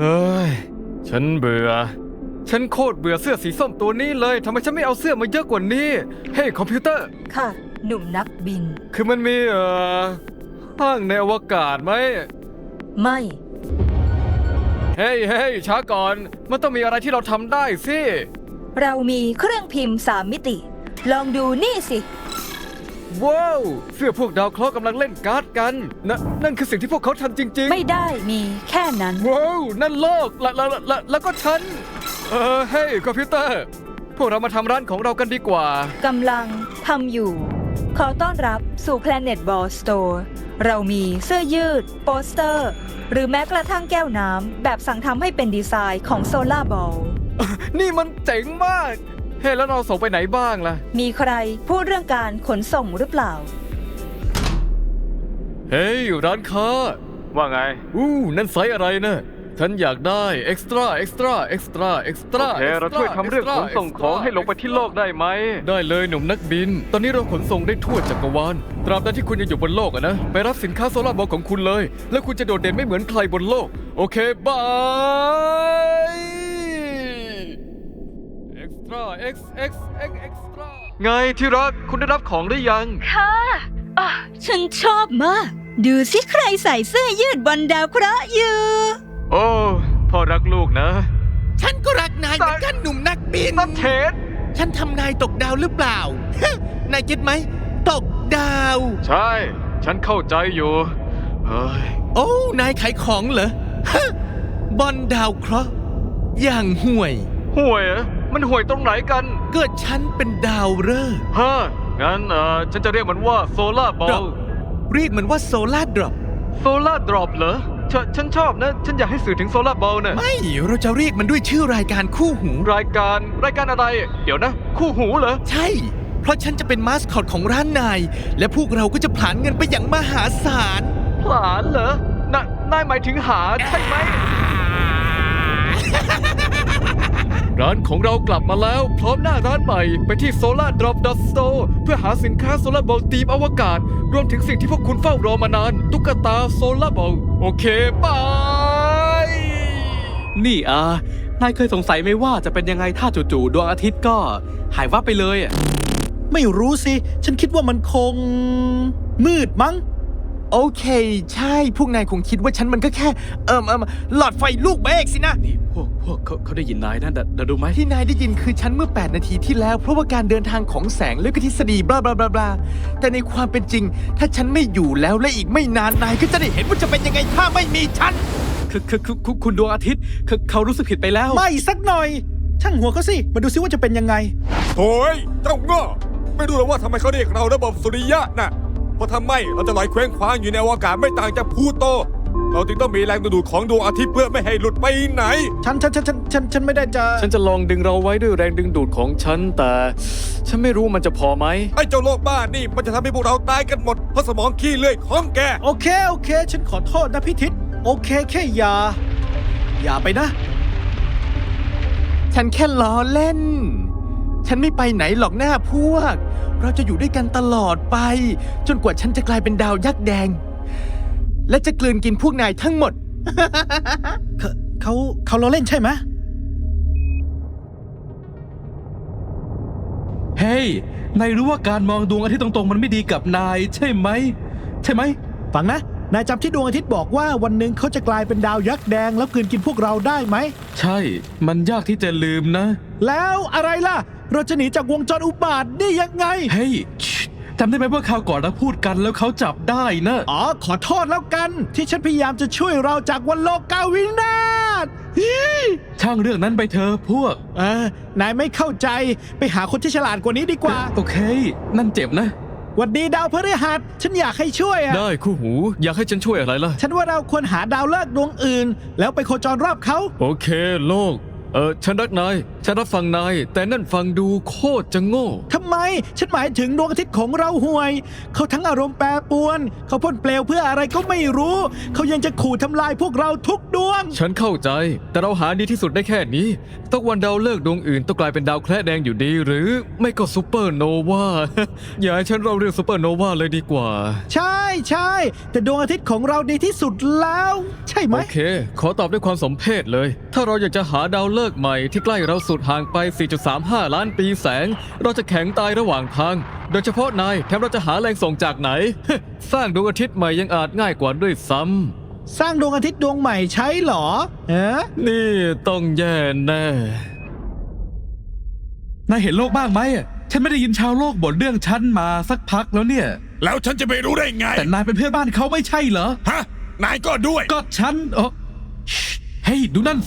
เฮ้ยฉันเบื่อฉันโคตรเบื่อเสื้อสีส้มตัวนี้เลยทำไมฉันไม่เอาเสื้อมาเยอะกว่านี้เฮ้ยคอมพิวเตอร์ค่ะ หนุ่มนักบินคือมันมีห้างในอวกาศไหมไม่เฮ้ยช้าก่อนมันต้องมีอะไรที่เราทำได้สิเรามีเครื่องพิมพ์3 มิติ ลองดูนี่สิว้าวเสื้อพวกดาวเคราะห์กำลังเล่นการ์ดกันนั่นคือสิ่งที่พวกเขาทำจริงๆไม่ได้มีแค่นั้นว้าวนั่นโลกแล้วก็ฉันเฮ้ยคอมพิวเตอร์พวกเรามาทำร้านของเรากันดีกว่ากำลังทำอยู่ ขอต้อนรับสู่ Planet Ball Store เรามีเสื้อยืด โปสเตอร์ หรือแม้กระทั่งแก้วน้ำแบบสั่งทำให้เป็นดีไซน์ของ Solar Ball นี่มันเจ๋งมากเฮ้ยแล้วเราส่งไปไหนบ้างล่ะมีใครพูดเรื่องการขนส่งหรือเปล่าเฮ้ยร้านค้าว่าไงนั่นไซส์อะไรนะฉันอยากได้เอ็กซ์ตร้าโอเคเราช่วยทำเรื่องขนส่งของให้ลงไปที่โลกได้ไหมได้เลยหนุ่มนักบิน ตอนนี้เราขนส่งได้ทั่วจักรวาลตราบใดที่คุณยังอยู่บนโลกอะนะไปรับสินค้าโซลาร์บอลของคุณเลยแล้วคุณจะโดดเด่นไม่เหมือนใครบนโลกโอเคบายเอ็กซ์ตร้าเอ็กซ์ตร้าไงที่รักคุณได้รับของหรือยังค่ะฉันชอบมาก ดูสิใครใส่เสื้อยืดบนดาวเคราะห์อยู่โอ้พ่อรักลูกนะฉันก็รักนายเหมือนกันหนุ่มนักบินนัทเทศฉันทำนายตกดาวหรือเปล่า นายคิดไหม ตกดาวใช่ ฉันเข้าใจอยู่เฮ้ยโอ้นายขายของเหรอ บอลดาวเคราะห์อย่างห่วยห่วยเหรอมันห่วยตรงไหนกันเกิดฉันเป็นดาวฤกษ์ฮะงั้นฉันจะเรียกมันว่าโซล่าบอลเรียกมันว่าโซลาร์ดรอปโซล่าดรอปเหรอฉันชอบนะ ฉันอยากให้สื่อถึงโซล่าบอลน่ะไม่ เราจะเรียกมันด้วยชื่อรายการคู่หูรายการอะไร เดี๋ยวนะ คู่หูเหรอใช่ เพราะฉันจะเป็นมาสคอตของร้านนาย และพวกเราก็จะผลาญเงินไปอย่างมหาศาลผลาญเหรอนายหมายถึงหาใช่ไหม ร้านของเรากลับมาแล้วพร้อมหน้าร้านใหม่ไปที่ solardrop.store เพื่อหาสินค้าโซลาร์บอลทีมอวกาศ รวมถึงสิ่งที่พวกคุณเฝ้ารอมานาน ตุ๊กตาโซลาร์บอลโอเคบายนี่นายเคยสงสัยไหมว่าจะเป็นยังไงถ้าจู่ๆดวงอาทิตย์ก็หายวับไปเลยอ่ะไม่รู้สิ ฉันคิดว่ามันคงมืดมั้งโอเค ใช่ พวกนายคงคิดว่าฉันมันก็แค่หลอดไฟลูกเบรกสินะนี่พวกเขาได้ยินนายนะเดี๋ยวดูไหมที่นายได้ยินคือฉันเมื่อ 8 นาทีที่แล้ว เพราะว่าการเดินทางของแสงและก็ทฤษฎีบลาบลาบลาบลาแต่ในความเป็นจริง ถ้าฉันไม่อยู่แล้วและอีกไม่นานนายก็จะได้เห็นว่าจะเป็นยังไงถ้าไม่มีฉันคือคุณดวงอาทิตย์เขารู้สึกผิดไปแล้วไม่สักหน่อย ช่างหัวเขาสิ มาดูซิว่าจะเป็นยังไงโถ่เจ้าง้อไม่รู้หรอกว่าทำไมเขาเรียกเราระบบสุริยะน่ะเพราะทำไมเราจะลอยเคว้งคว้างอยู่ในอวกาศไม่ต่างจากพลูโต เราจึงต้องมีแรงดึงดูดของดวงอาทิตย์เพื่อไม่ให้หลุดไปไหนฉันไม่ได้จะฉันจะลองดึงเราไว้ด้วยแรงดึงดูดของฉันแต่ฉันไม่รู้มันจะพอไหมไอ้เจ้าโลกบ้านี่มันจะทำให้พวกเราตายกันหมดเพราะสมองขี้เลื่อยของแกโอเค ฉันขอโทษนะพี่ทิศโอเคแค่อย่าไปนะฉันแค่ล้อเล่น ฉันไม่ไปไหนหรอกหน้าพวก เราจะอยู่ด้วยกันตลอดไป จนกว่าฉันจะกลายเป็นดาวยักษ์แดง และจะกลืนกินพวกนายทั้งหมดเขาล้อเล่นใช่ไหมเฮ้ย นายรู้ว่าการมองดวงอาทิตย์ตรงๆมันไม่ดีกับนายใช่ไหมฟังนะ นายจำที่ดวงอาทิตย์บอกว่าวันหนึ่งเขาจะกลายเป็นดาวยักษ์แดงแล้วกลืนกินพวกเราได้ไหมใช่ มันยากที่จะลืมนะแล้วอะไรล่ะ เราจะหนีจากวงจรอุบาทได้ยังไงเฮ้ยจำได้ไหมว่าคราวก่อนเราพูดกันแล้วเขาจับได้นะอ๋อ ขอโทษแล้วกัน ที่ฉันพยายามจะช่วยเราจากวันโลกาวินาศช่างเรื่องนั้นไปเถอะพวกนายไม่เข้าใจไปหาคนที่ฉลาดกว่านี้ดีกว่าโอเค นั่นเจ็บนะหวัดดีดาวพฤหัสฉันอยากให้ช่วยอะได้คู่หูอยากให้ฉันช่วยอะไรล่ะฉันว่าเราควรหาดาวฤกษ์ดวงอื่น แล้วไปโคจรรอบเขาโอเคโลกฉันรักนายฉันรับฟังนายแต่นั่นฟังดูโคตรจะโง่ทำไมไม ฉันหมายถึงดวงอาทิตย์ของเราห่วย เขาทั้งอารมณ์แปรปรวน เขาพ่นเปลวเพื่ออะไรก็ไม่รู้ เขายังจะขู่ทำลายพวกเราทุกดวงฉันเข้าใจ แต่เราหาดีที่สุดได้แค่นี้ต้องวันดาวฤกษ์ดวงอื่นต้องกลายเป็นดาวแคระแดงอยู่ดี หรือไม่ก็ซูเปอร์โนวา อย่าให้ฉันเราเรียกซูเปอร์โนวาเลยดีกว่าใช่ใช่แต่ดวงอาทิตย์ของเราดีที่สุดแล้ว ใช่ไหมโอเค ขอตอบด้วยความสมเพชเลย ถ้าเราอยากจะหาดาวฤกษ์ใหม่ที่ใกล้เราสุดห่างไป 4.35 ล้านปีแสง เราจะแข็งตายระหว่างทาง โดยเฉพาะนายแถมเราจะหาแรงส่งจากไหน สร้างดวงอาทิตย์ใหม่ยังอาจง่ายกว่าด้วยซ้ำสร้างดวงอาทิตย์ดวงใหม่ใช้เหรอเอ๊ะนี่ต้องแย่แน่นายเห็นโลกบ้างไหมอะฉันไม่ได้ยินชาวโลกบ่นเรื่องฉันมาสักพักแล้วเนี่ยแล้วฉันจะไปรู้ได้ไงแต่นายเป็นเพื่อนบ้านเขาไม่ใช่เหรอฮะ นายก็ด้วยก็ฉันเฮ้ยดูนั่นสิ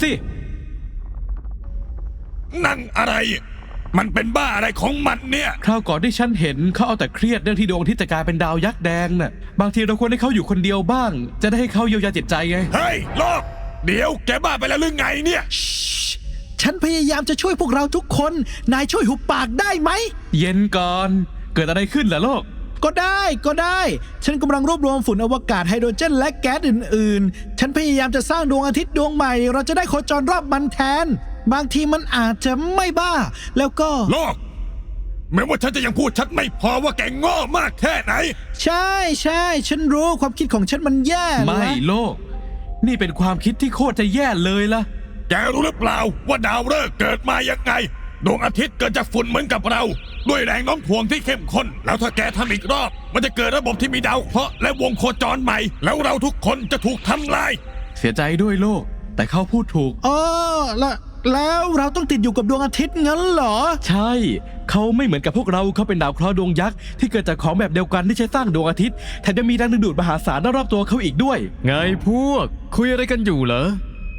นั่นอะไร มันเป็นบ้าอะไรของมันเนี่ยคราวก่อนที่ฉันเห็นเขาเอาแต่เครียดเรื่องที่ดวงอาทิตย์จะกลายเป็นดาวยักษ์แดงน่ะ บางทีเราควรให้เขาอยู่คนเดียวบ้าง จะได้ให้เขาเยียวยาจิตใจไงเฮ้ยโลก เดี๋ยวแกบ้าไปแล้วหรือไงเนี่ยฉันพยายามจะช่วยพวกเราทุกคน นายช่วยหุบปากได้ไหมเย็นก่อน เกิดอะไรขึ้นล่ะโลกก็ได้ ฉันกำลังรวบรวมฝุ่นอวกาศไฮโดรเจนและแก๊สอื่นๆ ฉันพยายามจะสร้างดวงอาทิตย์ดวงใหม่ เราจะได้โคจรรอบมันแทน บางทีมันอาจจะไม่บ้า แล้วก็โลก แม้ว่าฉันจะยังพูดชัดไม่พอว่าแกโง่มากแค่ไหนใช่ฉันรู้ความคิดของฉันมันแย่ไม่นะโลก นี่เป็นความคิดที่โคตรจะแย่เลยล่ะแกรู้หรือเปล่าว่าดาวฤกษ์เกิดมายังไง ดวงอาทิตย์เกิดจากฝุ่นเหมือนกับเรา ด้วยแรงโน้มถ่วงที่เข้มข้น แล้วถ้าแกทำอีกรอบ มันจะเกิดระบบที่มีดาวเคราะห์และวงโคจรใหม่ แล้วเราทุกคนจะถูกทำลายเสียใจด้วยโลก แต่เขาพูดถูกอ๋อแล้วเราต้องติดอยู่กับดวงอาทิตย์งั้นเหรอใช่ เขาไม่เหมือนกับพวกเรา เขาเป็นดาวเคราะห์ดวงยักษ์ที่เกิดจากของแบบเดียวกันที่ใช้สร้างดวงอาทิตย์แถมยังมีแรงดึงดูดมหาศาลรอบๆตัวเขาอีกด้วยไงพวก คุยอะไรกันอยู่เหรอ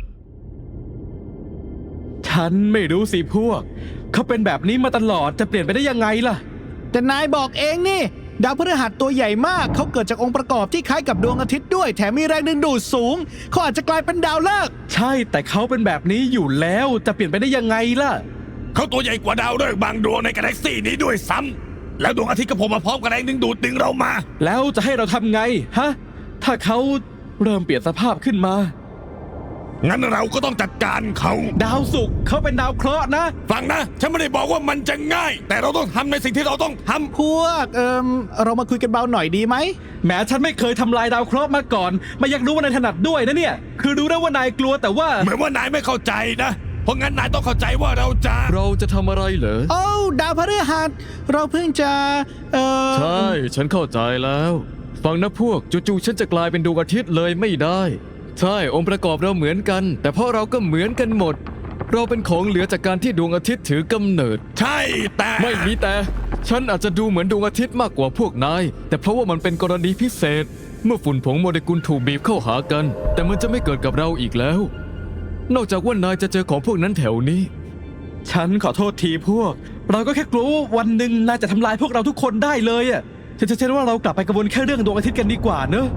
ฉันไม่รู้สิพวก เขาเป็นแบบนี้มาตลอดจะเปลี่ยนไปได้ยังไงล่ะแต่นายบอกเองนี่ ดาวพฤหัสตัวใหญ่มาก เขาเกิดจากองค์ประกอบที่คล้ายกับดวงอาทิตย์ด้วย แถมมีแรงดึงดูดสูง เขาอาจจะกลายเป็นดาวฤกษ์ใช่แต่เขาเป็นแบบนี้อยู่แล้วจะเปลี่ยนไปได้ยังไงล่ะเขาตัวใหญ่กว่าดาวฤกษ์บางดวงในกาแล็กซี่นี้ด้วยซ้ำแล้วดวงอาทิตย์ก็โผล่มาพร้อมกับแรงดึงดูดดึงเรามาแล้วจะให้เราทำไงฮะ ถ้าเขาเริ่มเปลี่ยนสภาพขึ้นมางั้นเราก็ต้องจัดการเขาดาวศุกร์เขาเป็นดาวเคราะห์นะฟังนะ ฉันไม่ได้บอกว่ามันจะง่าย แต่เราต้องทำในสิ่งที่เราต้องทำพวกเรามาคุยกันเบาหน่อยดีไหมแม้ฉันไม่เคยทำลายดาวเคราะห์มาก่อนไม่อยากรู้ว่านายถนัดด้วยนะเนี่ย คือรู้นะว่านายกลัวแต่ว่าเหมือนว่านายไม่เข้าใจนะ เพราะงั้นนายต้องเข้าใจว่าเราจะเราจะทำอะไรเหรอโอ้ดาวพฤหัส เราเพิ่งจะใช่ ฉันเข้าใจแล้ว ฟังนะพวก จู่ๆฉันจะกลายเป็นดวงอาทิตย์เลยไม่ได้ ใช่ องค์ประกอบเราเหมือนกัน แต่เพราะเราก็เหมือนกันหมด เราเป็นของเหลือจากการที่ดวงอาทิตย์ถือกำเนิดใช่แต่ไม่มีแต่ ฉันอาจจะดูเหมือนดวงอาทิตย์มากกว่าพวกนาย แต่เพราะว่ามันเป็นกรณีพิเศษ เมื่อฝุ่นผงโมเลกุลถูกบีบเข้าหากัน แต่มันจะไม่เกิดกับเราอีกแล้ว นอกจากว่านายจะเจอของพวกนั้นแถวนี้ฉันขอโทษทีพวก เราก็แค่กลัวว่าวันหนึ่งนายจะทำลายพวกเราทุกคนได้เลยอ่ะฉันว่าเรากลับไปกังวลแค่เรื่องดวงอาทิตย์กันดีกว่าเนอะ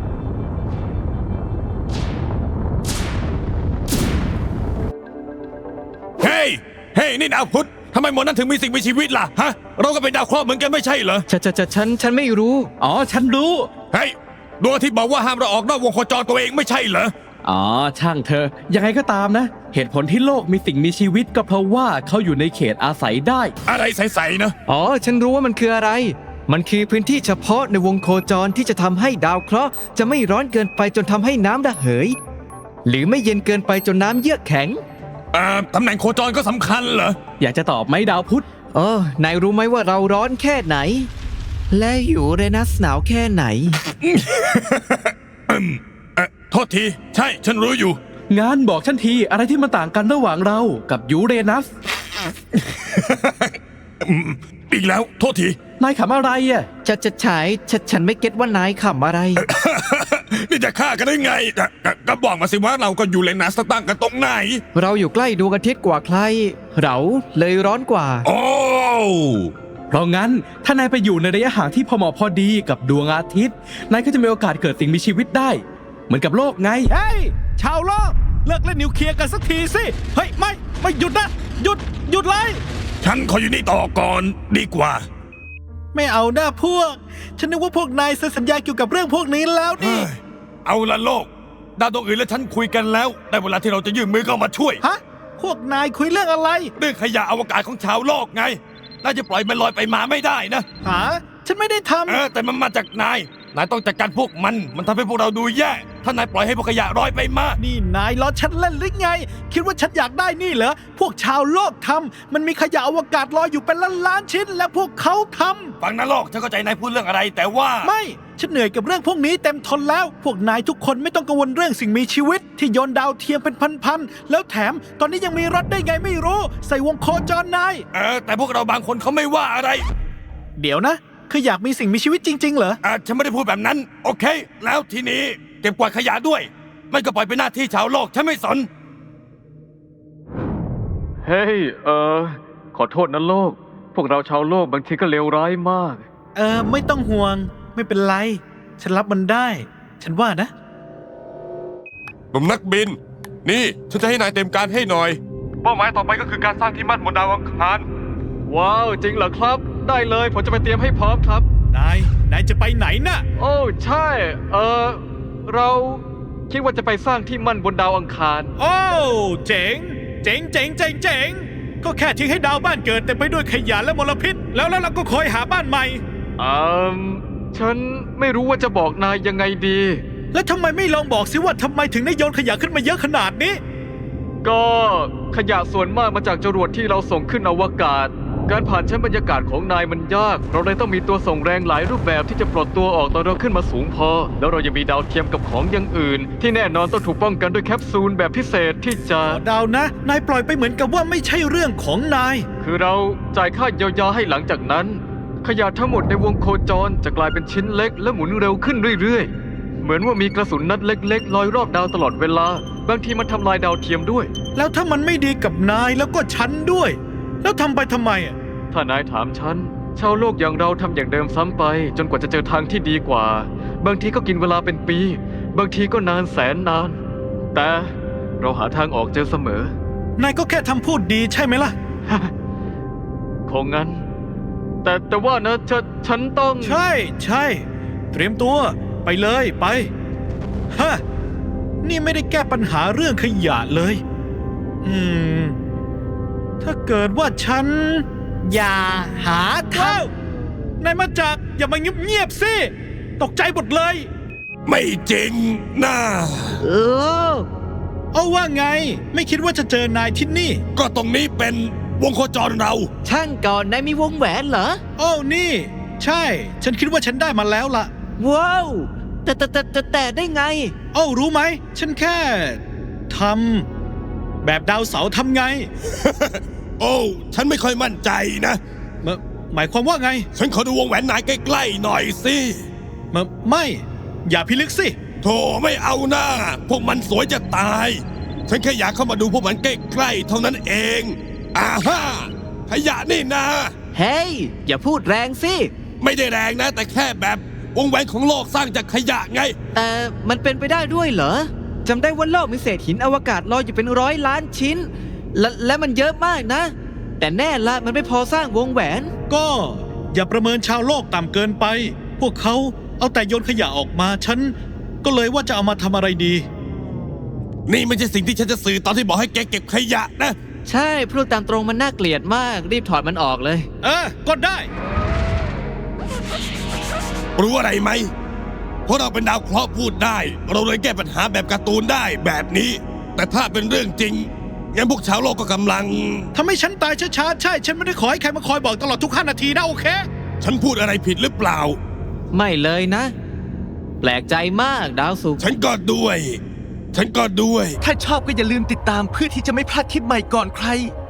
เฮ้ยนี่ดาวพุธทำไมหมดนั้นถึงมีสิ่งมีชีวิตล่ะฮะ เราก็เป็นดาวเคราะห์เหมือนกันไม่ใช่เหรอฉันไม่รู้อ๋อฉันรู้เฮ้ยดวงอาทิตย์บอกว่าห้ามเราออกนอกวงโคจรตัวเองไม่ใช่เหรออ๋อช่างเธอ ยังไงก็ตามนะ เหตุผลที่โลกมีสิ่งมีชีวิตก็เพราะว่าเขาอยู่ในเขตอาศัยได้อะไรใสๆนะอ๋อ ฉันรู้ว่ามันคืออะไร มันคือพื้นที่เฉพาะในวงโคจรที่จะทำให้ดาวเคราะห์จะไม่ร้อนเกินไปจนทำให้น้ำระเหย หรือไม่เย็นเกินไปจนน้ำเยือกแข็งตำแหน่งโคจรก็สำคัญเหรออยากจะตอบไหมดาวพุธนายรู้ไหมว่าเราร้อนแค่ไหน และอยู่เรนัสหนาวแค่ไหนโทษที ใช่ ฉันรู้อยู่งานบอกฉันทีอะไรที่มันต่างกันระหว่างเรากับยูเรนัสอีกแล้ว โทษทีนายขำอะไรอ่ะฉันไม่เก็ตว่านายขำอะไรนี่จะฆ่ากันได้ไงก็บอกมาสิว่าเราก็อยู่เลนัสตั้งกันตรงไหนเราอยู่ใกล้ดวงอาทิตย์กว่าใคร เราเลยร้อนกว่าโอ้เพราะงั้นถ้านายไปอยู่ในระยะห่างที่พอเหมาะพอดีกับดวงอาทิตย์นายก็จะมีโอกาสเกิดสิ่งมีชีวิตได้ เหมือนกับโลกไงเฮ้ย ชาวโลก เลิกเล่นนิวเคลียร์กันสักทีสิ เฮ้ย ไม่หยุดนะ หยุดเลยฉันขออยู่นี่ต่อก่อนดีกว่าไม่เอาหน้าพวก ฉันนึกว่าพวกนายเซ็นสัญญาเกี่ยวกับเรื่องพวกนี้แล้วนี่เอาละโลกดาวดวงอื่นและฉันคุยกันแล้วได้เวลาที่เราจะยื่นมือเข้ามาช่วยฮะ พวกนายคุยเรื่องอะไรเรื่องขยะอวกาศของชาวโลกไงนายจะปล่อยมันลอยไปมาไม่ได้นะหา ฉันไม่ได้ทำแต่มันมาจากนายต้องจัดการพวกมันทำให้พวกเราดูแย่ถ้านายปล่อยให้พวกขยะลอยไปมานี่นายล้อฉันเล่นหรือไง คิดว่าฉันอยากได้นี่เหรอ พวกชาวโลกทำมันมีขยะอวกาศลอยอยู่เป็นล้านๆชิ้น และพวกเขาทำฟังนะโลกฉันเข้าใจนายพูดเรื่องอะไรแต่ว่าไม่ ฉันเหนื่อยกับเรื่องพวกนี้เต็มทนแล้ว พวกนายทุกคนไม่ต้องกังวลเรื่องสิ่งมีชีวิต ที่โยนดาวเทียมเป็นพันๆ แล้วแถมตอนนี้ยังมีรถได้ไงไม่รู้ ใส่วงโคจรนายแต่พวกเราบางคนเขาไม่ว่าอะไรเดี๋ยวนะ คืออยากมีสิ่งมีชีวิตจริงๆเหรอฉันไม่ได้พูดแบบนั้น โอเค แล้วทีนี้เก็บกวาดขยะด้วย ไม่ก็ปล่อยเป็นหน้าที่ชาวโลกฉันไม่สนเฮ้ย ขอโทษนะโลก พวกเราชาวโลกบางทีก็เลวร้ายมากไม่ต้องห่วง ไม่เป็นไร ฉันรับมันได้ ฉันว่านะหนุ่มนักบิน นี่ฉันจะให้นายเต็มการให้หน่อย เป้าหมายต่อไปก็คือการสร้างที่มั่นบนดาวอังคารว้าว จริงเหรอครับ ได้เลยผมจะไปเตรียมให้พร้อมครับนายจะไปไหนน่ะโอ้ใช่ เราคิดว่าจะไปสร้างที่มั่นบนดาวอังคารโอ้ เจ๋ง เจ๋งเจ๋งเจ๋งเจ๋งก็แค่ทิ้งให้ดาวบ้านเกิดเต็มไปด้วยขยะและมลพิษ แล้วเราก็คอยหาบ้านใหม่ฉันไม่รู้ว่าจะบอกนายยังไงดีแล้วทำไมไม่ลองบอกสิว่าทำไมถึงได้โยนขยะขึ้นมาเยอะขนาดนี้ก็ขยะส่วนมากมาจากจรวดที่เราส่งขึ้นอวกาศ การผ่านชั้นบรรยากาศของนายมันยาก เราเลยต้องมีตัวส่งแรงหลายรูปแบบที่จะปลดตัวออกตอนเราขึ้นมาสูงพอ แล้วเรายังมีดาวเทียมกับของอย่างอื่น ที่แน่นอนต้องถูกป้องกันด้วยแคปซูลแบบพิเศษที่จะดาวนะ นายปล่อยไปเหมือนกับว่าไม่ใช่เรื่องของนายคือเราจ่ายค่าเยียวยาให้หลังจากนั้น ขยะทั้งหมดในวงโคจรจะกลายเป็นชิ้นเล็กและหมุนเร็วขึ้นเรื่อยๆ เหมือนว่ามีกระสุนนัดเล็กๆลอยรอบดาวตลอดเวลา บางทีมันทำลายดาวเทียมด้วยแล้วถ้ามันไม่ดีกับนายแล้วก็ฉันด้วย แล้วทำไปทำไมอ่ะถ้านายถามฉัน ชาวโลกอย่างเราทำอย่างเดิมซ้ำไป จนกว่าจะเจอทางที่ดีกว่า บางทีก็กินเวลาเป็นปี บางทีก็นานแสนนาน แต่เราหาทางออกเจอเสมอนายก็แค่ทำพูดดีใช่ไหมล่ะคงงั้น แต่ว่านะฉันต้องใช่ เตรียมตัวไปเลยไปฮะนี่ไม่ได้แก้ปัญหาเรื่องขยะเลย ถ้าเกิดว่าฉัน อย่าหาทางนายมาจากอย่ามาเงียบๆสิตกใจหมดเลยไม่จริงนะเอาว่าไง ไม่คิดว่าจะเจอนายที่นี่ก็ตรงนี้เป็นวงโคจรเราช่างก่อนนายมีวงแหวนเหรอโอ้นี่ ใช่ ฉันคิดว่าฉันได้มาแล้วล่ะว้าวแต่ได้ไงโอ้รู้ไหม ฉันแค่ทำแบบดาวเสาร์ทำไงโอ้ฉันไม่ค่อยมั่นใจนะหมายความว่าไงฉันขอดูวงแหวนนายใกล้ๆหน่อยสิไม่ อย่าพิลึกสิโธ่ไม่เอาหน้า พวกมันสวยจะตาย ฉันแค่อยากเข้ามาดูพวกมันใกล้ๆเท่านั้นเองอาฮ่าขยะนี่นะเฮ้ย อย่าพูดแรงสิไม่ได้แรงนะ แต่แค่แบบวงแหวนของโลกสร้างจากขยะไงแต่มันเป็นไปได้ด้วยเหรอ จำได้ว่าโลกมีเศษหินอวกาศลอยอยู่เป็น100 ล้านชิ้น และมันเยอะมากนะ แต่แน่ละมันไม่พอสร้างวงแหวนก็อย่าประเมินชาวโลกต่ำเกินไป พวกเขาเอาแต่โยนขยะออกมา ฉันก็เลยว่าจะเอามาทำอะไรดีนี่ไม่ใช่สิ่งที่ฉันจะสื่อตอนที่บอกให้แกเก็บขยะนะใช่พูดตามตรงมันน่าเกลียดมาก รีบถอดมันออกเลยก็ได้รู้อะไรไหม เพราะเราเป็นดาวเคราะห์พูดได้ เราเลยแก้ปัญหาแบบการ์ตูนได้แบบนี้ แต่ถ้าเป็นเรื่องจริงงั้นพวกชาวโลกก็กำลังทำให้ฉันตายช้าๆ ใช่ ฉันไม่ได้ขอให้ใครมาคอยบอกตลอดทุก5 นาทีนะโอเคฉันพูดอะไรผิดหรือเปล่าไม่เลยนะ แปลกใจมากดาวศุกร์ฉันก็ด้วยถ้าชอบก็อย่าลืมติดตามเพื่อที่จะไม่พลาดคลิปใหม่ก่อนใคร